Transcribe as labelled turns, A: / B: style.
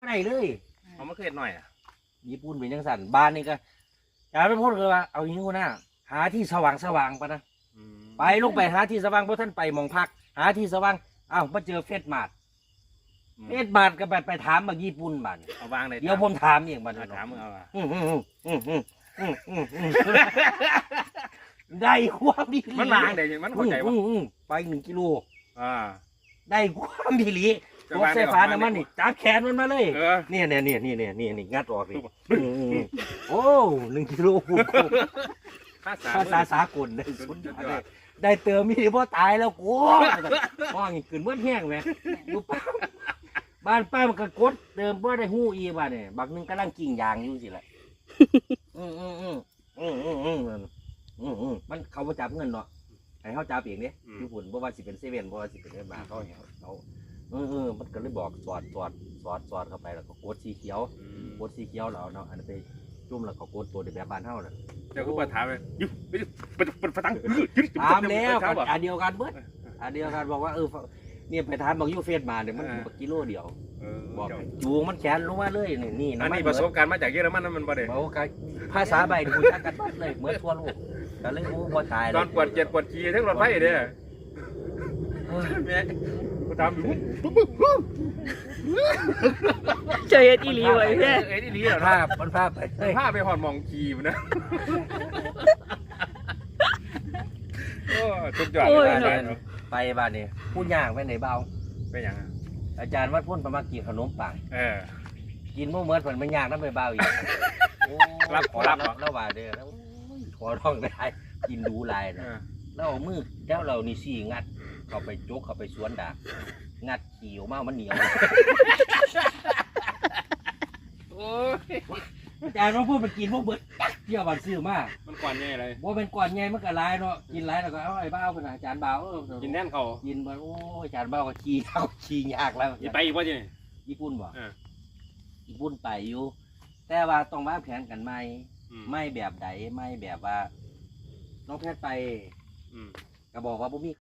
A: ได้เลย
B: เอามาเคยหน่อยอ่ะ
A: ญี่ปุ่นเป็นจังสั่นบ้านนี่ก็อย่าไปพูดเลยว่าเอาอย่างนี้กูนะหาที่สว่างปะนะไปลงไปหาที่สว่างเพราะท่านไปมองพักหาที่สว่างอ้าวมาเจอเฟสมาดก็ไปถามบางญี่ปุ่นบ้าน
B: เอาวางเลย
A: เดี๋ยวผมถามเองบ้าน
B: ถามมึงเอาอ่ะ
A: ได้ความดี
B: มันวางเดี๋ยวมันเข้าใจว่า
A: ไป1 กิโล ได้ความดีหลีรถไฟฟ้าน้ำมันนี่จับแขนมันมาเลยเนี่ยงัดออกเลยโอ้1 กิโลภาษาสากลได้สุดได้เติมมีพ่อตายแล้วกูมองขึ้นเมื่อแห้งไหมดูบ้านป้ามันก็กดเติมเพื่อได้หู้อีบ้านเนี่ยบักนึงกำลังกิ่งยางอยู่สิแหละมันเขาจับเงินเนาะให้เขาจับเองเนี่ยญี่ปุ่นเพราะว่าสิเป็นเซเว่นเพราะว่าสิเป็นเงินบาทเขามันก็เลยบอกสอดเข้าไปแล้วก็กดสีเขียวแล้วเนาะอันนี้ไปจุ่มแล้วก็กดตัวเดียวแบบบ้านเท่าน่ะ
B: เดี๋ยวกูเปิดถามเลยยุบไปตัง
A: ถามแล้วอันเดียวกันเบิดอันเดียวกันบอกว่าเนี่ยไปถามบอกยูเฟสมาเนี่ยมันกิโลเดียวบอกจูงมันแขนลงมาเลยนี่
B: อันนี้ประสบการณ์มาจากเยอรมันนั่นมันบ่ได้
A: บอกว่าภาษาใบดูจักกันบัดเลยเหมือนทั่วโลกแต่เลยกูพอตายเลย
B: ตอนปวดเจ็บปวดขี้ทั้งรถไฟเด้อแม่กูถามดู
C: เจอเอ็ดอีหลีไว้แค่
B: เอ็ดอีหลีเหรอ
A: มันภาพไปเลย
B: ผ้าไปหอนมองขี้มันนะโอ้สุดยอดเลย
A: ไปบ้านนี่พูดยากไปไหนเบา
B: เป็นยัง
A: อาจารย์วัดพุ่นประมากินขนมปัง กินเมื่อเมื่อผลมันยากนั่นไปเบาอีกรับแล้วว่าเด้อแล้วขอร้องได้กินดูลายนะแล้วเอามือแล้วเรานี่สี่งัดเข้าไปจกเข้าไปสวนดางัดขี่ออกมามันเหนียวอาจารย์ว่าพูดไปกินพวกเบิดเที่ยวบันซื้อมา
B: มันก่อนใหญ่เลย
A: ว่าเป็นก่อนใหญ่มันก็ลายเนาะกินลายแล้วก็เอาไอ้บ้าเป็นอาจารย์บ้า
B: กินแน่นเขา
A: กินไปโอ้อาจารย์บ้าก็ขี่ยากแล้ว
B: ไปอีกว่าจี
A: ญี่ปุ่นบ่ญี่ปุ่นไปอยู่แต่ว่าต้องวางแผนกันไหมไม่แบบใดไม่แบบว่าน้องแพทย์ไปก็บอกว่าบ่มี